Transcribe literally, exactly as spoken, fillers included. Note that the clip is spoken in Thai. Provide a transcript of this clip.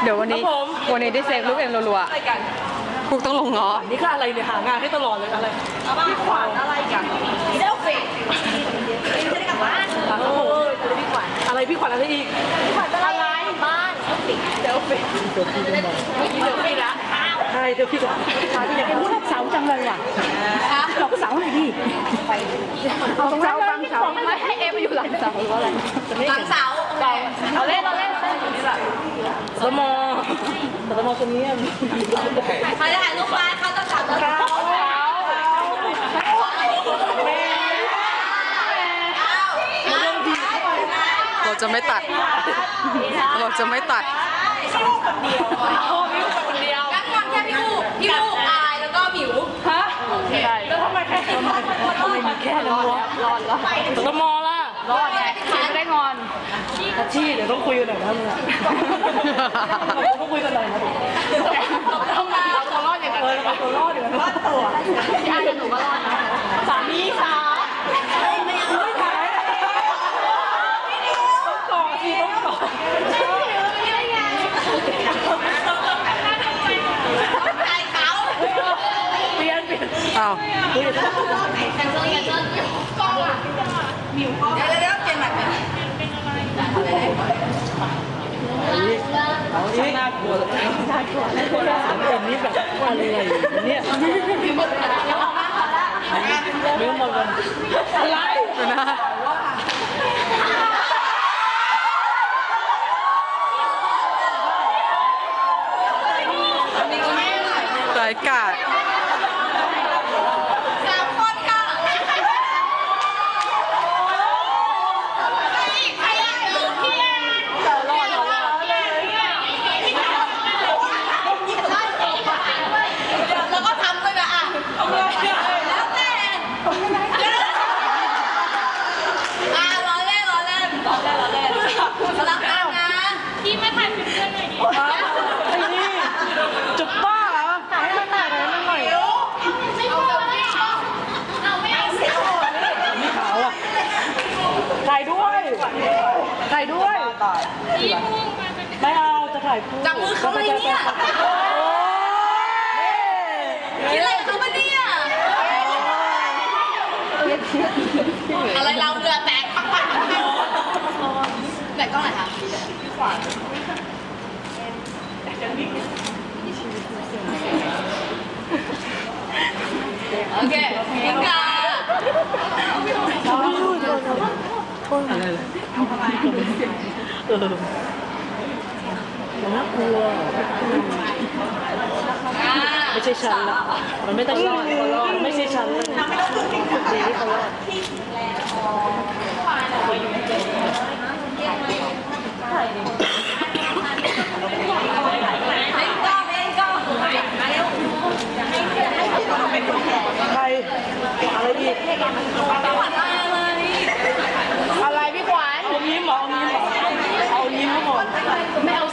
เดี๋ยววันนี้วันนี้ได้เซฟลูกเอ็มรัวๆพวกต้องลงง้อนี่คืออะไรเนี่ยหางานให้ตลอดเลยอะไรพี่ขวัญอะไรกันเซลฟี่จะได้กลับบ้านโอ้ยพี่ขวัญอะไรพี่ขวัญอะไรอีกพี่ขวัญอะไรบ้านเซลฟี่เซลฟี่เซลฟี่เซลฟี่ละใช่เซลฟี่ก่อนอยากเป็นผู้รับเสาจังเลยว่ะหลอกเสาหน่อยดิเอาตรงเสาฟังเสาไม่ให้เอฟอยู่หลังเสาหรือว่าอะไรหลังเสาเราเล่นเราเล่นสมอสมอตรงนี้ใครจะถ่ายรูปบ้านเขาต้องจับเราเราจะไม่ตัดเราจะไม่ตัดพี่อูคนเดียวพี่อูคนเดียวแล้วคนแค่พี่อูพี่อูอายแล้วก็หมิวฮะใช่แล้วทำไมแค่ทำไมมีแค่นั้นวะรอดแล้วสมอล่ะรอดไงไม่ได้งอนทัชชี่เดี๋ยวต้องคุยกันหน่อยนะมึงอ่ะต้องคุยกันหน่อยนะต้องมาตัวรอดอย่างไรตัวรอดอย่างไรรอดตัวพี่อายกับหนูก็รอดนะสามีค่ะไม่ถ่ายต้องกอดสิต้องกอดอ้าวเดี๋ยวเดี๋ยวเดี๋ยวเปลี่ยนใหม่เอาอีกน่ากลัวน่ากลัวน่ากลัวแบบนี้แบบอะไรเนี่ยเรื่องหมดเลยอะไรนะรายการถ่ายด้วยถ่ายด้วยไม่เอาจะถ่ายคู่จับมือเขาเลยเนี่ยคิดอะไรเขาปะเนี่ยอะไรเราเรือแตกปักปักแตกกล้องไหนคะโอเคพิงกาอะไรเลยเออน่ากลัวไม่ใช่ฉันละมันไม่ต้องรอดเขารอดไม่ใช่ฉันเลยดีที่เขารอดใครอะไรอีกอะไรพี่ขวัญเอายิ้มเหรอเอายิ้มเหรอเอายิ้มก่อนไม่เอา